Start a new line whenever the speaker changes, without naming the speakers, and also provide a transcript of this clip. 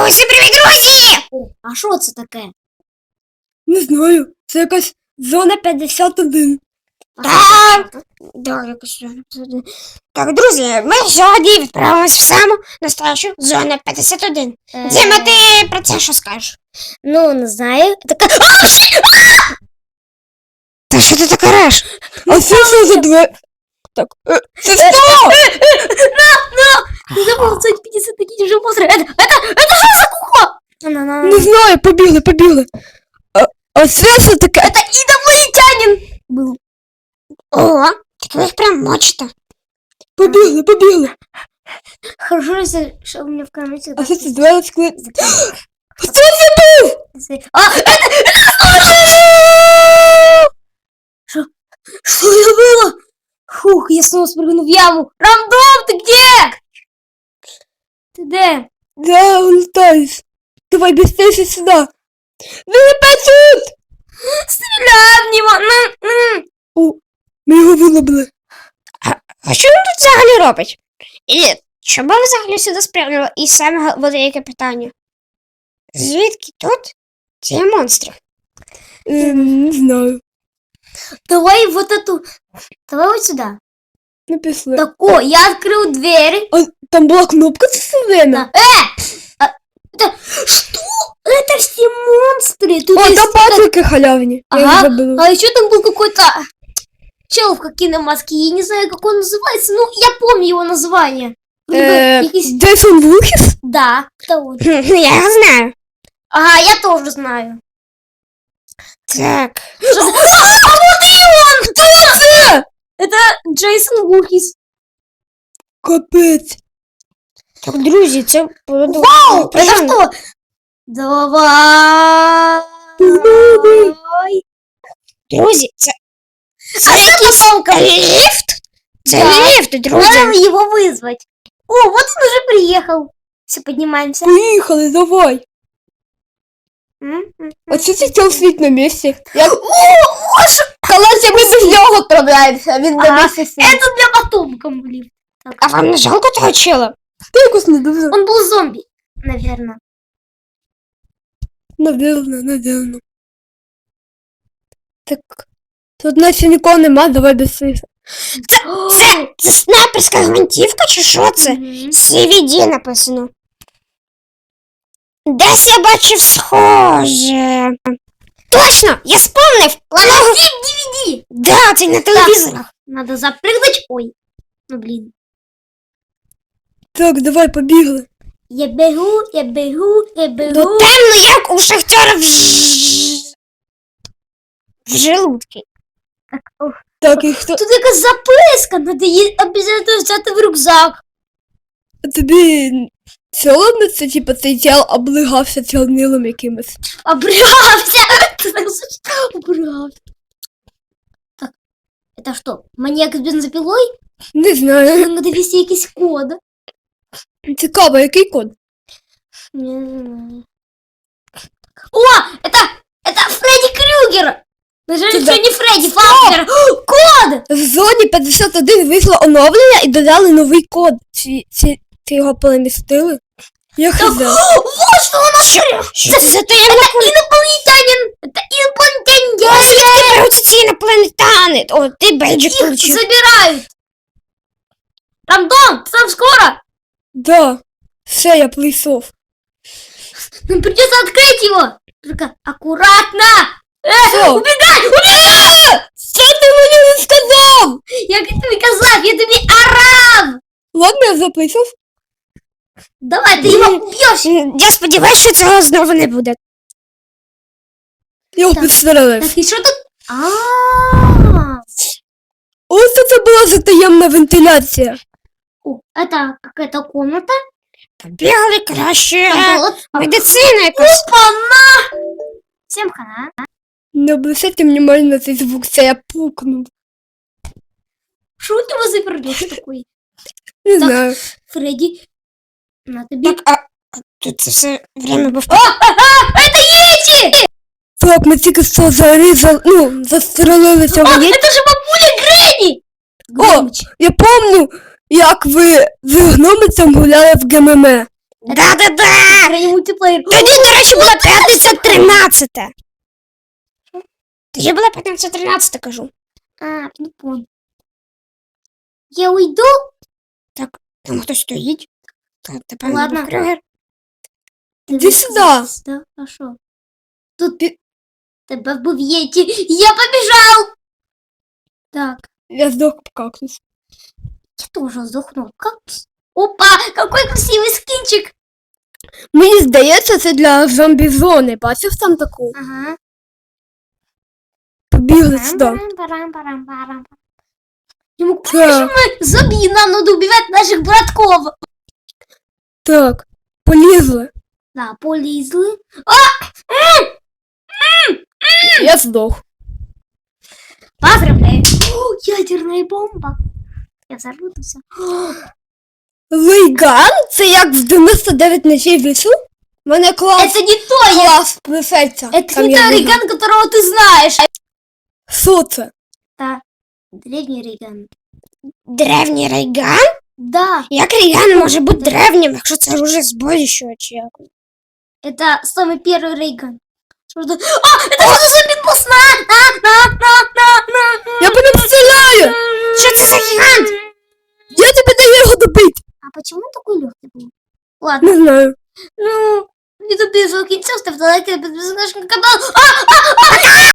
Усім привіт, друзі!
А що це таке?
Не знаю, це якась зона 51.
Да, якось. Так, друзі, ми сьогодні відправились в саму настоящу зону 51. Діма, ти про це що скажеш?
Ну, не знаю. Така...
Та що ти таке реш?
А це що за двері? Так, це що?
Не забыл, 50 такие уже монстры. Это что за кухо?
Не знаю, побігли. А це що таке?
Это инопланетянин был.
О, так ви їх прям мочите.
Побігли.
Хорошо, что у меня в комнате...
А що це двері скли? Хто це був?
Что это было? Фух, я снова спрыгну в яму. Рандом, ты где? Ты где?
Да, улетаєш. Давай быстрее сюди. Вилипай тут!
Стреляй в него!
О, ми його вилобили.
А що він тут взагалі робить? І чому ви взагалі сюди спрямили? І саме велике питання. Звідки тут ці монстри?
Не знаю.
Давай вот эту... Давай вот сюда.
Не пішли.
Так, о, я открыл дверь.
А там була кнопка це все время?
Что? Это все монстры. Тут
О,
есть
там патрики халявні. Я їх
Ага.
забила.
А еще там был какой-то чел в киномаске. Я не знаю, как он называется. Ну, я помню его название.
Джейсон Вулхіс?
Да, кто он?
Я його знаю.
Ага, я тоже знаю.
Так.
А вот и он! Кто это? Это Джейсон Вулхис.
Капець.
Так, друзі, це
Вау! Это что? Давай!
Друзі, це
А
якийсь
потом
ліфт? Це
Да.
ліфт, друзі.
надо его вызвать. О, вот он уже приехал. Все, поднимаемся.
Поїхали, давай. А що це цей світ на місці? Колись ми без нього відправляємося, він на
Ага.
місці світ.
Это для потомков, блин.
А вам не жалко того чела?
Ти якось не дуже.
Он был зомби, наверное.
Наверно. Так, тут наче нікого нема, давай без світу.
Це снайперська гвинтівка чи що це? CVD написано. Десь я бачив схоже. Точно, я спомнив.
DVD.
Да, це на телевізорах.
Надо запрыгнуть. Ой. Ну, блин.
Так, давай, побігли.
Я бегу.
Ну темно, як у шахтера в желудке.
Так, і хто?
Тут якась записка. Надо обязательно взяти в рюкзак.
А тобі соромно це, типа, цей тіл облигався чорнилом якимось?
Обрявся. Ты так звучит. Обрявся. Так, это что? Маньяк с бензопилой?
Не знаю.
Надо ввести якийсь код.
Цікаво, який код?
Не знаю. О, это Фредди Крюгер. Даже
Туда.
что не Фредди, Фазбер. Код!
В зоні 51 вийшло оновлення і додали новий код. Чи його перемістили? Я хз.
Вот что он открыл.
Що це за таємна
Это инопланетянин. Это инопланетянин.
Звідки беруться ці інопланетяни? О, ти бейджик
Их
получив.
забирают. Рандом, сам скоро.
Да. Все, я прийшов.
Нам придется открыть его. Только аккуратно.
Що?
Убегай!
Що ти мені не сказав?
Я тобі казав, я тобі орав.
Ладно, я вже прийшов.
Давай, ты его убьешь.
Я сподіваюся, що цього знову не буде.
Я його
Так.
підстрелив.
Так, и что тут?
Ось це була за таємна вентиляція.
О, это какая-то комната.
Побігли краще.
Там вот.
Медицина якась.
Опа-на! Всем хана.
Не обращайте внимание на цей звук, це я пукнув.
Что у него за пердеж такой?
Не
Так.
знаю.
Фредди, на тебе.
Так, а тут це все время був.
Это Йети!
Так, ми тільки що зарізали, застрелили цього
А,
є.
это же бабуля Гренни! Громче.
Я помню, як ви з гномицем гуляли в ГММ.
Да-да-да!
Гренни мультиплеєр.
Тоді, до речі, була п'ятниця 13. Тоді була п'ятниця 13, кажу.
А, не понял. Я уйду?
Там хтось стоїть. Так, тепер
Ладно.
був Крюгер.
Іди сюди.
Да, хорошо. Тут тебе вбив Єті. Я побежал! Так,
Я здох в кактус.
я тоже сдохнул. Как? Опа, какой красивый скинчик.
Мені здається, це для зомбі-зони. Бачив там таку?
Ага.
Побігли сюди.
Парам-парам-парам-парам. Ему
Так,
зомби, нам надо убивать наших братков.
так. Полізли.
Да, полезли.
Я здох.
Поздравляю. О, ядерная бомба. Я взорву тут все.
Лейган? Це як в 99 ночей вісу? У мене клас.
Это не то,
Клас писається.
это
Там
не
я
то
виграв.
Рейган, которого ты знаешь.
Що це?
Да, древний Рейган.
Древній Рейган?
Да,
Як Рейган може бути древнім, якщо це вже з будущого чи як?
это самый первый Рейган. Что это? А, это что за зомби-босс? На.
Я по ним стріляю!
Що це за гігант?
Я тобі даю його добити!
А почему он такой легкий был? Ладно,
Не знаю.
ну, не добежал кінця, ставте лайки, підписуйтесь на наш канал.